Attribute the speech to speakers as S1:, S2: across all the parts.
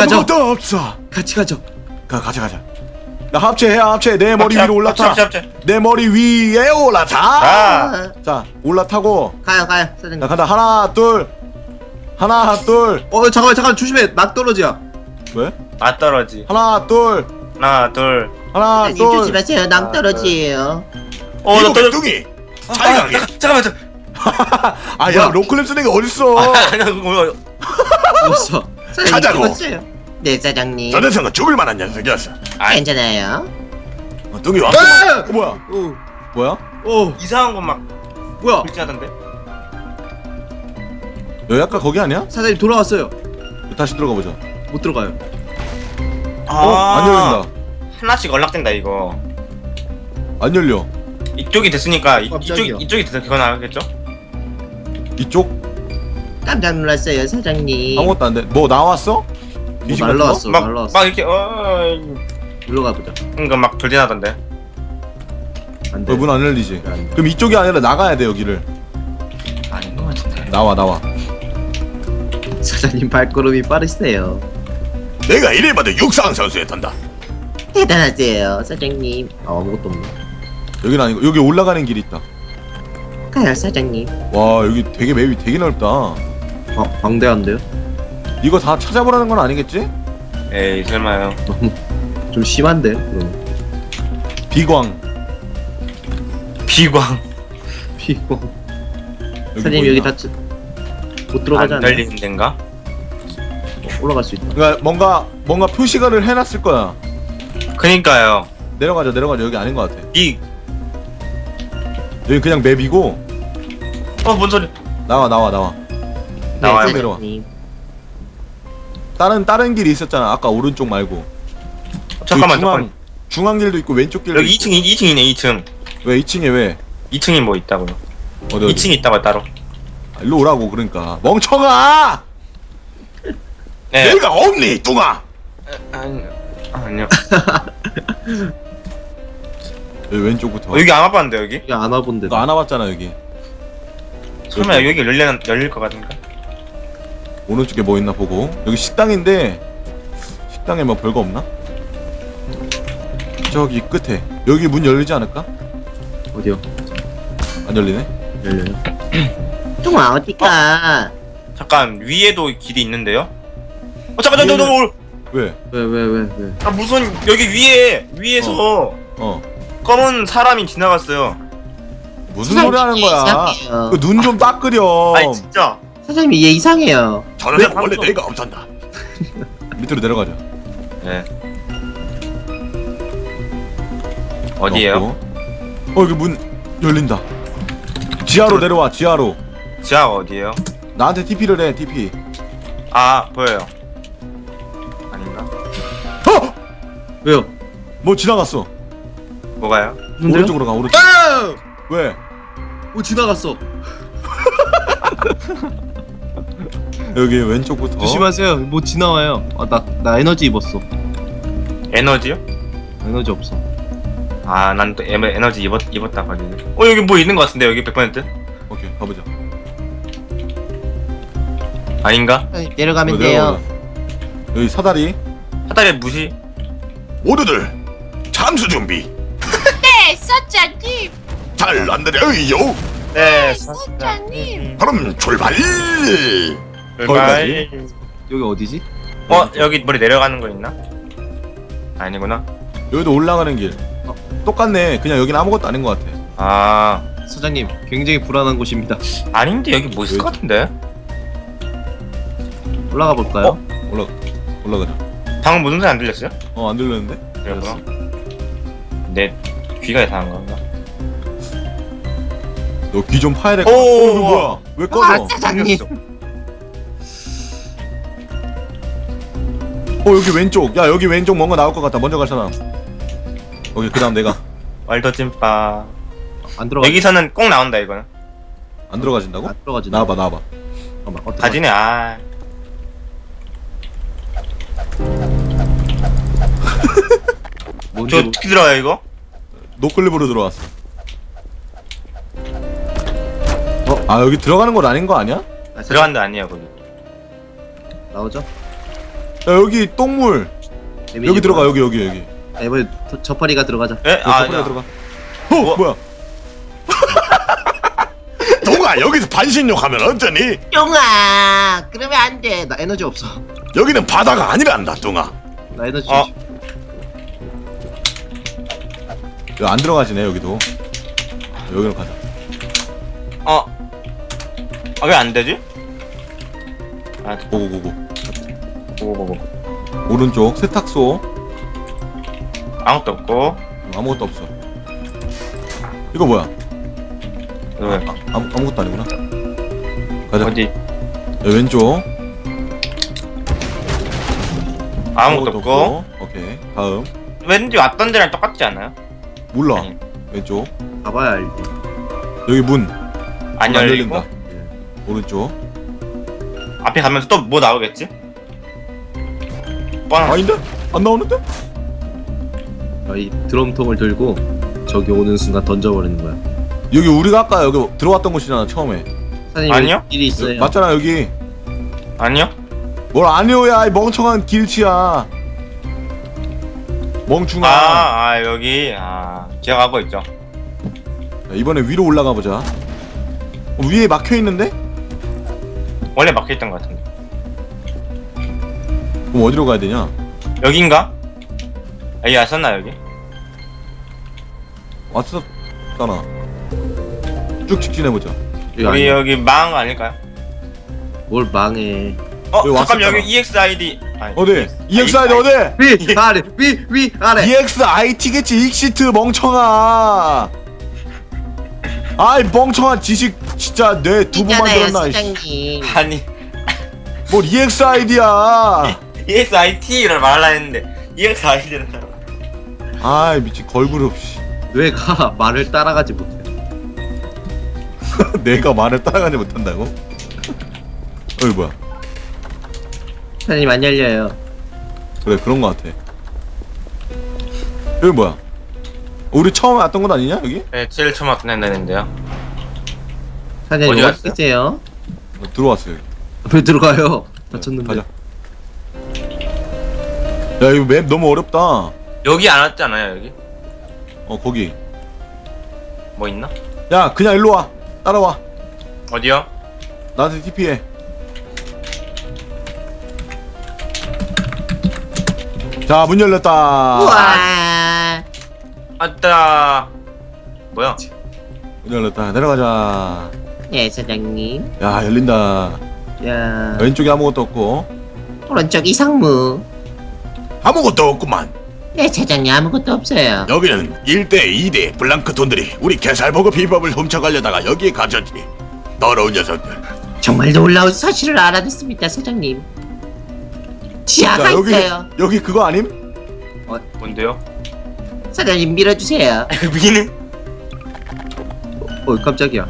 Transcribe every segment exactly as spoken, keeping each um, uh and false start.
S1: 가죠.
S2: 아무것도 없어.
S1: 같이 가죠.
S2: 가 가자 가자. 나 합체해 합체. 내 머리
S3: 합체,
S2: 위로 올라타.
S3: 합체, 합체, 합체.
S2: 내 머리 위에 올라타.
S3: 아.
S2: 자 올라타고.
S1: 가요 가요 사장님.
S2: 나 간다. 하나 둘. 하나 둘.
S1: 어 잠깐만 잠깐 조심해. 낙 떨어지야.
S2: 왜?
S3: 아 떨어지.
S2: 하나 둘.
S3: 하나 둘.
S2: 하나
S1: 사장님
S2: 둘.
S1: 조심하세요. 낭떠러지예요.
S3: 어, 나 떨어.
S2: 뚱이.
S3: 아,
S2: 잘
S3: 아,
S2: 가게.
S3: 잠깐, 잠깐만. 저.
S2: 아야 로클랩 쓰는 게 어딨어?
S3: 아니, 그거
S1: 죽었어. 사장님
S2: 가자고.
S1: 죽었어요. 네 사장님.
S2: 저 녀석은 죽을 만한 녀석이었어.
S3: 아이,
S1: 괜찮아요.
S2: 어, 뚱이 와.
S1: 아!
S2: 어, 뭐야?
S1: 오,
S2: 뭐야?
S1: 오,
S3: 이상한 거막
S1: 뭐야?
S3: 불지하던데.
S2: 여기 아까 거기 아니야?
S1: 사장님 돌아왔어요.
S2: 다시 들어가 보자.
S1: 못 들어가요.
S3: 아,
S2: 어? 안 열린다.
S3: 하나씩 연락된다 이거.
S2: 안 열려.
S3: 이쪽이 됐으니까 이, 이쪽
S1: 깜짝이야.
S3: 이쪽이 돼서 그거 나가겠죠?
S2: 이쪽
S1: 깜짝 놀랐어요 사장님.
S2: 아무것도 안 돼. 뭐 나왔어?
S1: 뭐
S2: 귀신 같은
S1: 날라왔어.
S3: 막,
S1: 날라왔어.
S3: 막 이렇게 어,
S1: 올라가 보자.
S3: 이거 막 돌진하던데.
S1: 안
S2: 거?
S1: 돼.
S2: 문 안 열리지.
S1: 안 돼.
S2: 그럼 이쪽이 아니라 나가야 돼 여기를.
S3: 아닌 것 같은데.
S2: 나와 나와.
S1: 사장님 발걸음이 빠르세요.
S2: 내가 이래봐도 육상 선수에 탄다.
S1: 대단하세요 사장님. 아, 아무것도 없네.
S2: 여기는 아니고 여기 올라가는 길이 있다.
S1: 가요 사장님.
S2: 와 여기 되게 맵이 되게 넓다.
S1: 아, 방대한데요?
S2: 이거 다 찾아보라는 건 아니겠지?
S3: 에이 설마요.
S1: 너무 좀 심한데? 그럼.
S2: 비광.
S3: 비광.
S1: 피고.
S2: 여기
S1: 사장님
S2: 뭐
S1: 여기
S2: 있나?
S1: 다 못 들어가지
S3: 안
S1: 않아요?
S3: 열리는 데인가?
S1: 올라갈 수 있다.
S2: 그러니까 뭔가 뭔가 표시가를 해놨을 거야.
S3: 그니까요.
S2: 내려가자 내려가자 여기 아닌 것 같아.
S3: 이
S2: 여기 그냥 맵이고.
S3: 어, 뭔 소리?
S2: 나와 나와 나와.
S3: 나와요.
S1: 네,
S2: 내려와.
S1: 사장님.
S2: 다른 다른 길이 있었잖아. 아까 오른쪽 말고.
S3: 어, 잠깐만
S2: 여기 중앙,
S3: 잠깐.
S2: 중앙 길도 있고 왼쪽 길도
S3: 여기
S2: 있고.
S3: 이 층 이 층이네 이 층.
S2: 왜 이 층에 왜?
S3: 이 층이 뭐 있다고요?
S2: 어디 어디?
S3: 이 층이 있다고 따로.
S2: 아, 일로 오라고 그러니까. 멍청아!
S3: 네.
S2: 내가 없니 뚱아?
S3: 아니 아니요.
S2: 여기 왼쪽부터.
S3: 어, 여기 안 와봤는데 여기?
S1: 여기 안 와본데.
S2: 너 안 와봤잖아 여기.
S3: 설마 여기 열리는 열릴 것 같은가?
S2: 오른쪽에 뭐 있나 보고. 여기 식당인데 식당에 뭐 별거 없나? 저기 끝에. 여기 문 열리지 않을까?
S1: 어디요?
S2: 안 열리네.
S1: 열려요. 뚱아 어디가?
S3: 잠깐 위에도 길이 있는데요? 어 잠깐 잠깐 잠깐.
S2: 왜?
S1: 왜 왜 왜 왜?
S3: 아 무슨 여기 위에 위에서
S2: 어.
S3: 검은 사람이 지나갔어요.
S2: 무슨 소리 하는 거야?
S1: 이상해요.
S2: 그 눈 좀 딱 그려.
S3: 아니 진짜.
S1: 사장님 얘 이상해요.
S2: 저는
S3: 왜
S2: 원래
S3: 방금-
S2: 내가 없단다. 밑으로 내려가자.
S3: 네. 어디에요?
S2: 어, 어 여기 문 열린다. 지하로 내려와. 지하로.
S3: 지하 어디에요?
S2: 나한테 티피를 해. 티피.
S3: 아 보여요. 아닌가?
S2: 어!
S1: 왜요?
S2: 뭐 지나갔어.
S3: 뭐가요?
S1: 뭔데요?
S2: 오른쪽으로 가. 오른쪽.
S1: 아!
S2: 왜?
S1: 뭐 지나갔어.
S2: 여기 왼쪽부터.
S1: 조심하세요. 뭐 지나와요. 아, 나, 나 에너지 입었어.
S3: 에너지요?
S1: 에너지 없어.
S3: 아 난 또 에너지 입었 입었다 가지고. 어 여기 뭐 있는 것 같은데 여기 백 퍼센트?
S2: 오케이 가보자.
S3: 아닌가?
S1: 내려가면
S2: 어,
S1: 돼요.
S2: 내려가자. 여기 사다리.
S3: 사다리 무시.
S2: 모두들 잠수 준비.
S4: 네, 사장님.
S2: 잘 안되려요.
S3: 네.
S4: 사장님.
S2: 그럼 출발.
S3: 출발.
S1: 여기 어디지?
S3: 어 여기 머리 내려가는 거 있나? 아니구나.
S2: 여기도 올라가는 길. 어, 똑같네. 그냥 여기는 아무것도 아닌 것 같아.
S3: 아
S1: 사장님 굉장히 불안한 곳입니다.
S3: 아닌데 여기 뭐 있을 것 같은데?
S1: 올라가 볼까요?
S3: 어?
S2: 올라 올라가자.
S3: 방금 무슨 소리 안 들렸어요?
S2: 어 안 들렸는데?
S3: 그랬구나. 내 귀가 이상한 건가?
S2: 너 귀 좀 파야 될
S3: 오,
S2: 거야. 어, 이거
S3: 오,
S2: 뭐야? 왜 꺼져?
S1: 아, 사장님.
S2: 어 여기 왼쪽. 야 여기 왼쪽 뭔가 나올 것 같다. 먼저 갈 사람. 오케이 그다음 내가.
S3: 월더찐빠.
S1: 안 들어가.
S3: 여기서는 꼭 나온다 이거는.
S2: 안 들어가진다고?
S1: 안 들어가지.
S2: 나와봐 나와봐.
S1: 잠깐만. 어떡하지?
S3: 가지네 아.
S1: 뭔지
S3: 저
S1: 모르-
S3: 어떻게 들어가요 이거?
S2: 노클립으로 들어왔어. 어? 아 여기 들어가는 건 아닌 거 아니야?
S1: 아,
S3: 들어간 데 아니에요 거기.
S1: 나오죠?
S2: 야 여기 똥물 여기 들어가 여기 여기 여기
S1: 아, 이번에 저- 저파리가 들어가자.
S3: 에?
S2: 아,
S3: 아,
S2: 빨리
S3: 야.
S2: 들어가. 어
S3: 뭐?
S2: 뭐야?
S5: 동아 여기서 반신욕 하면 어쩌니?
S1: 쫑아 그러면 안돼. 나 에너지 없어.
S5: 여기는 바다가 아니란다 동아.
S1: 나 에너지
S3: 어.
S1: 좀
S2: 여기 안 들어가지네 여기도. 여기로 가자.
S3: 어. 아, 왜 안 되지? 아,
S2: 고고고고.
S3: 보고, 보고.
S2: 오른쪽 세탁소.
S3: 아무것도 없고.
S2: 아무것도 없어. 이거 뭐야?
S3: 왜?
S2: 아, 아무 아무것도 아니구나. 가자.
S3: 어디?
S2: 야, 왼쪽.
S3: 아무것도 없고.
S2: 오케이. 다음.
S3: 왠지 왔던 데랑 똑같지 않아요?
S2: 몰라.
S3: 아니.
S2: 왼쪽.
S1: 가봐야 알지.
S2: 여기 문.
S3: 안
S2: 문
S3: 열리고.
S2: 열린다. 오른쪽.
S3: 앞에 가면서 또 뭐 나오겠지? 뻔한.
S2: 아닌데? 안 나오는데?
S1: 이 드럼통을 들고 저기 오는 순간 던져버리는 거야.
S2: 여기 우리가 아까 여기 들어왔던 곳이잖아 처음에.
S1: 사장님
S3: 아니요?
S1: 길이 있어요.
S2: 맞잖아 여기.
S3: 아니요?
S2: 뭘 아니오야 이 멍청한 길치야. 멍충아.
S3: 아, 아, 여기. 아, 기억하고 있죠.
S2: 야, 이번에 위로 올라가 보자. 어, 위에 막혀 있는데?
S3: 원래 막혀있던 것 같은데.
S2: 그럼 어디로 가야 되냐?
S3: 여긴가? 여기 왔었나, 여기?
S2: 왔었잖아. 쭉 직진해 보자.
S1: 여기
S3: 여기,
S1: 아니야.
S3: 여기 망 아닐까요?
S1: 뭘 망해.
S3: 어,
S2: 여기
S3: 잠깐
S2: 왔었잖아.
S3: 여기 이엑스아이디. 아니,
S2: 어디? 이엑스아이디 어디?
S1: 위 아래 위 위 아래.
S2: 이엑스아이티겠지 익시트 멍청아. 아이 멍청한 지식 진짜 뇌 두 번
S1: 있잖아요,
S2: 만들었나. 이씨.
S1: 사장님.
S3: 아니,
S2: 뭘 이엑스아이디야.
S3: 이엑스아이티를 말하려 했는데, 이엑스아이디를.
S2: 아이 미친 걸그룹 씨.
S1: 뇌가 말을 따라가지 못해.
S2: 내가 말을 따라가지 못한다고? 어이 뭐야?
S1: 사장님 안 열려요.
S2: 그래 그런 거 같아. 여기 뭐야? 우리 처음에 왔던 곳 아니냐 여기?
S3: 네, 제일 처음 왔던 데인데요.
S1: 사장님
S3: 어디
S1: 어디
S3: 갔어요?
S1: 계세요?
S2: 어, 들어왔어 여기.
S1: 왜 들어가요? 다쳤는데.
S2: 가자. 야 이거 맵 너무 어렵다.
S3: 여기 안 왔잖아요, 여기.
S2: 어 거기.
S3: 뭐 있나?
S2: 야 그냥 일로 와. 따라와.
S3: 어디요?
S2: 나한테 티피해. 자 문 열렸다.
S1: 우와.
S3: 아따. 뭐야?
S2: 문 열렸다. 내려가자.
S1: 네 사장님.
S2: 야 열린다.
S1: 야
S2: 왼쪽에 아무것도 없고.
S1: 오른쪽 이상무.
S5: 아무것도 없구만.
S1: 네 사장님 아무것도 없어요.
S5: 여기는 일 대 이 대 블랑크톤들이 우리 개살버거 비법을 훔쳐가려다가 여기에 갇혔지. 더러운 녀석들.
S1: 정말 놀라운 사실을 알아냈습니다 사장님. 지하가
S2: 자 여기
S1: 있어요.
S2: 여기 그거 아님?
S3: 뭔데요?
S1: 사장님 밀어주세요.
S3: 미는?
S1: 어 깜짝이야.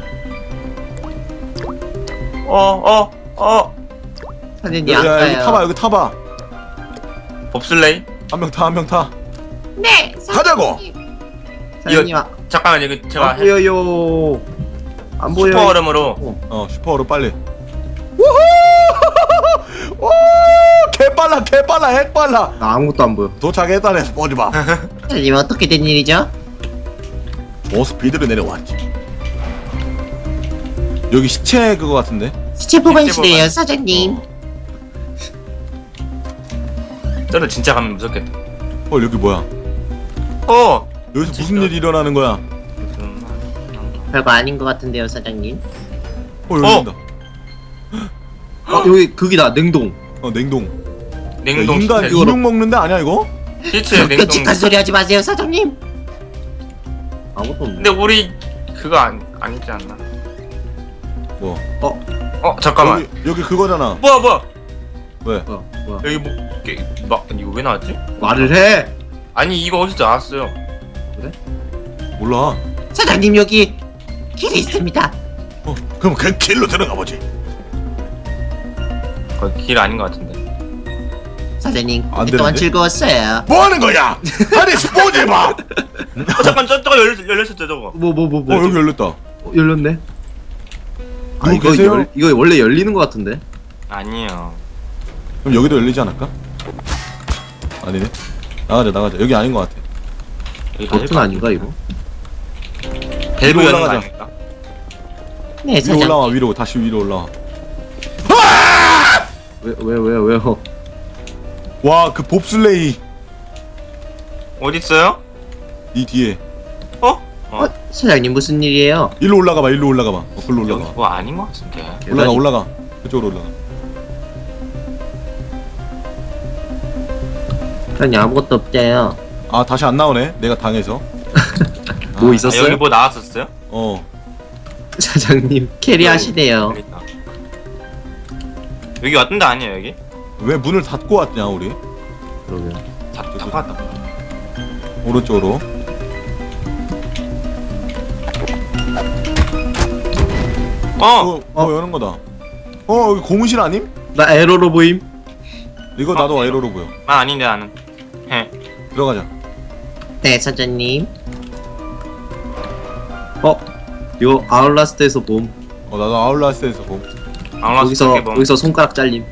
S3: 어, 어, 어.
S1: 사장님
S2: 야, 야 여기
S1: 아까요.
S2: 타봐 여기 타봐.
S3: 봅슬레이?
S2: 한 명 타 한 명 타.
S1: 네
S5: 가자고.
S1: 사장님 아,
S3: 잠깐만, 여기 제가
S1: 안 보여요. 안 보여요.
S3: 슈퍼 얼음으로.
S2: 어 슈퍼로 빨리. 우후! 와 개빨라 개빨라 핵빨라.
S1: 나 아무것도 안 보여.
S5: 도착했다네 스포지바.
S1: 사장님 어떻게 된 일이죠?
S5: 저 스피드로 내려왔지.
S2: 여기 시체 그거 같은데?
S1: 시체 보관실이에요
S3: 시체 보관.
S1: 사장님.
S3: 저는 진짜 가면 무섭겠다.
S2: 어 여기 뭐야?
S3: 어!
S2: 여기서 무슨 일이 일어나는 거야?
S1: 별거 아닌 것 같은데요 사장님.
S2: 어 여기
S3: 어!
S2: 있다.
S1: 어 여기 거기다 냉동.
S2: 어 냉동.
S3: 냉동
S2: 야, 인간
S3: 시체.
S2: 인육 먹는 데 아니야 이거?
S3: 시체 냉동.
S1: 끔찍한 소리 하지 마세요 사장님. 아무것도 없네.
S3: 근데 우리 그거 안 아니지 않나?
S2: 뭐?
S3: 어 잠깐만.
S2: 여기 여기 그거잖아.
S3: 뭐야 뭐야?
S2: 왜?
S1: 뭐야 뭐야.
S3: 여기 뭐 게, 막 이거 왜 나왔지?
S1: 말을 해.
S3: 아니 이거 어디서 나왔어요?
S2: 몰라.
S1: 사장님 여기 길이 있습니다.
S5: 어, 그럼 그 길로 들어가 보지.
S3: 거기 길 아닌 것 같은데.
S1: 사장님
S2: 안
S1: 그동안
S2: 되는데?
S1: 즐거웠어요.
S5: 뭐 하는 거야? 아니 스포지바.
S3: 어 잠깐 저 저거 열렸 열렸었죠 저거.
S1: 뭐 뭐 뭐
S2: 어
S1: 뭐.
S2: 여기 열렸다.
S1: 어, 열렸네. 아
S2: 누구
S1: 이거
S2: 계세요?
S1: 열, 이거 원래 열리는 것 같은데.
S3: 아니에요.
S2: 그럼 여기도 열리지 않을까? 아니네. 나가자 나가자. 여기 아닌 것 같아.
S3: 여기
S1: 버튼 아닌가 이거?
S3: 밸브
S2: 위로
S3: 여는 거
S2: 올라가자.
S3: 아닐까?
S4: 네,
S2: 위로
S4: 사장님.
S2: 올라와 위로 다시 위로 올라와.
S1: 왜 왜 왜 왜요?
S2: 와 그 봅슬레이
S3: 어디 있어요?
S2: 이 뒤에.
S3: 어?
S4: 어, 사장님 무슨 일이에요?
S2: 일로 올라가봐 일로 올라가봐. 어 글로
S3: 여기
S2: 올라가.
S3: 뭐 아닌 것 같은데.
S2: 올라가
S1: 계단이-
S2: 올라가. 그쪽으로 올라가.
S4: 사장님 아무것도 없대요.
S2: 아 다시 안 나오네. 내가 당해서.
S1: 뭐
S2: 아,
S3: 아,
S1: 있었어요?
S3: 여기 뭐 나왔었어요?
S2: 어.
S4: 사장님 캐리하시네요.
S3: 그러니까. 여기 왔던 데 아니에요 여기?
S2: 왜 문을 닫고 왔냐 우리?
S1: 그러면
S3: 다 닫고 왔다.
S2: 오른쪽으로.
S3: 어!
S2: 어, 어, 여는 거다. 어, 여기 고무실 아님?
S1: 나 에러로 보임.
S2: 이거
S3: 어,
S2: 나도
S3: 이거.
S2: 에러로 보여.
S3: 아 아닌데 나는. 해.
S2: 들어가자.
S4: 네, 사장님.
S1: 어 이거 아울라스트에서 봄.
S2: 어, 나도 아울라스에서 봄.
S3: 아무나
S1: 여기서
S3: 뭐.
S1: 여기서 손가락 잘림.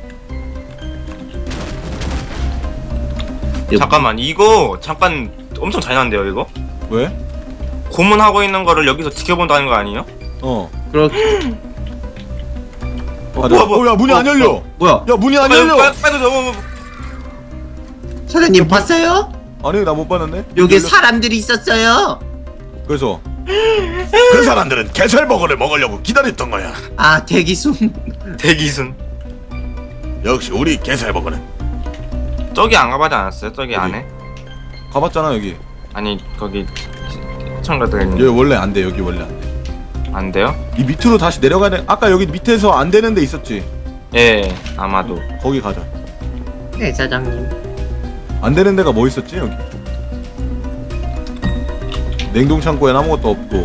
S1: 얘
S3: 잠깐만 이거 잠깐 엄청 잔인한데요 이거?
S2: 왜?
S3: 고문하고 있는 거를 여기서 지켜본다는 거 아니에요?
S2: 어.
S1: 그렇.
S2: 어,
S3: 뭐야, 뭐야.
S2: 어, 야, 문이
S1: 어,
S2: 안 열려.
S1: 어, 뭐야?
S2: 야, 문이 안
S3: 빨리
S2: 열려.
S3: 빨리 빨리 넘어.
S4: 사장님 봤어요?
S2: 아니, 나 못 봤는데.
S4: 여기
S2: 열렸-
S4: 사람들이 있었어요.
S2: 그래서
S5: 그 사람들은 게살버거를 먹으려고 기다렸던 거야.
S4: 아, 대기순.
S3: 대기순.
S5: 역시 우리 게살버거는
S3: 저기 안 가봐지 않았어요? 저기
S2: 어디?
S3: 안에?
S2: 가봤잖아, 여기.
S3: 아니 거기 시청자들
S2: 여기 원래 안 돼. 여기 원래 안 돼.
S3: 안 돼요?
S2: 이 밑으로 다시 내려가야 돼. 아까 여기 밑에서 안 되는 데 있었지.
S3: 예 아마도.
S2: 거기 가자.
S4: 네, 사장님.
S2: 안 되는 데가 뭐 있었지, 여기? 냉동 창고엔 아무것도 없고.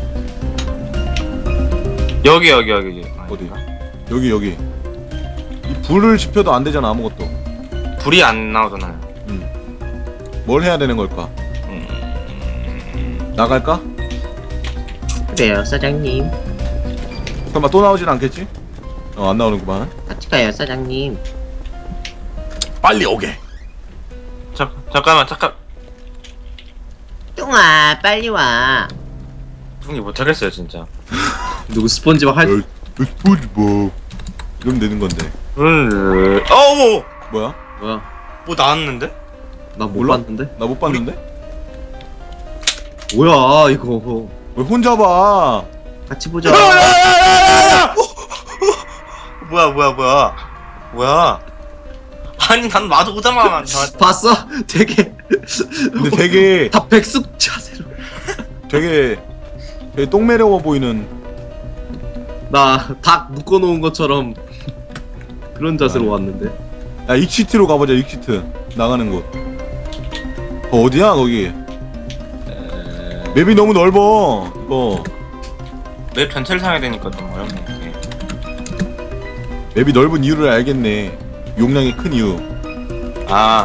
S3: 여기 여기 여기 여기.
S2: 어디? 여기 여기. 이 불을 지펴도 안 되잖아, 아무것도.
S3: 불이 안 나오잖아요.
S2: 음. 뭘 해야 되는 걸까?
S3: 음...
S2: 나갈까?
S4: 그래요, 사장님.
S2: 설마 또 나오진 않겠지? 어, 안 나오는구만.
S4: 같이 가요, 사장님.
S5: 빨리 오게.
S3: 잠 잠깐만 잠깐.
S4: 뚱아, 빨리 와.
S3: 분이 못하겠어요 진짜.
S1: 누구 스폰지밥 할?
S2: 어, 스포츠보. 이러면 되는 건데.
S3: 음... 어머
S2: 뭐야?
S1: 뭐야?
S3: 뭐 나왔는데?
S1: 나 못
S2: 몰라?
S1: 봤는데.
S2: 나 못 봤는데?
S1: 뭐야 이거?
S2: 왜 혼자 봐?
S1: 같이 보자.
S3: 뭐야 뭐야 뭐야 뭐야? 아니 난 마주 오자마자 나
S1: 봤어? 되게
S2: 근데 되게
S1: 다 백숙 자세로.
S2: 되게 되게 똥매려워 보이는.
S1: 나 닭 묶어놓은 것처럼 그런 자세로 왔는데.
S2: 야, 익시트로 가보자. 익시트 나가는 곳. 어, 어디야 거기? 맵이 너무 넓어. 이거
S3: 맵 전체를 사야 되니까 좀 어렵네.
S2: 맵이 넓은 이유를 알겠네. 용량이 큰 이유.
S3: 아,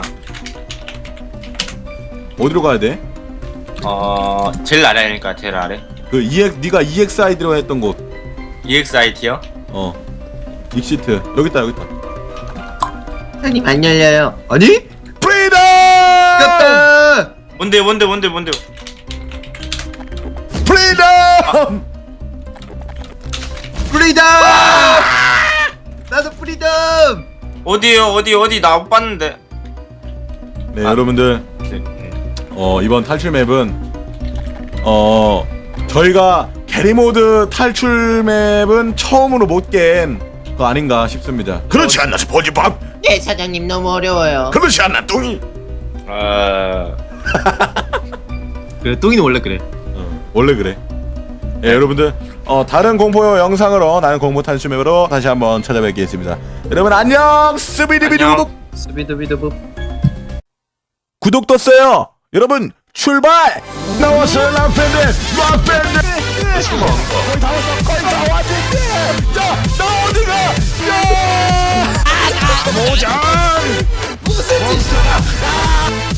S2: 어디로 가야 돼?
S3: 어 제일 아래니까 제일 아래.
S2: 그 이엑 네가 이엑스아이디로 했던 곳.
S3: 이엑스아이티요?
S2: 어. 익시트 여기 있다 여기 있다.
S4: 사장님, 안 열려요.
S1: 아니?
S2: 프리덤!
S1: 꼈다!
S3: 뭔데 뭔데 뭔데 뭔데?
S2: 프리덤!
S1: 프리덤! 나도 프리덤!
S3: 어디에요 어디 어디 나 못 봤는데.
S2: 네
S3: 아.
S2: 여러분들
S3: 네, 네.
S2: 어 이번 탈출 맵은 어 저희가 게리모드 탈출 맵은 처음으로 못 깬 거 아닌가 싶습니다.
S5: 그렇지 않나 스포츠밥?
S4: 네, 사장님 너무 어려워요.
S5: 그렇지 않나 뚱이?
S3: 아
S1: 그래 똥이는 원래 그래.
S2: 어, 원래 그래. 예, 여러분들 어 다른 공포 영상으로 나는 공포 탈출 맵으로 다시 한번 찾아뵙겠습니다. 여러분 안녕. 스비디비디부
S3: 안녕.
S1: 스비드비드부.
S2: 구독 떴어요. 여러분 출발. 나왔어요 라펜드 라펜드. 거의 다 왔어. 거의 다 왔는데. 야나 어디가? 야. 아, 모장. 무슨 짓이야?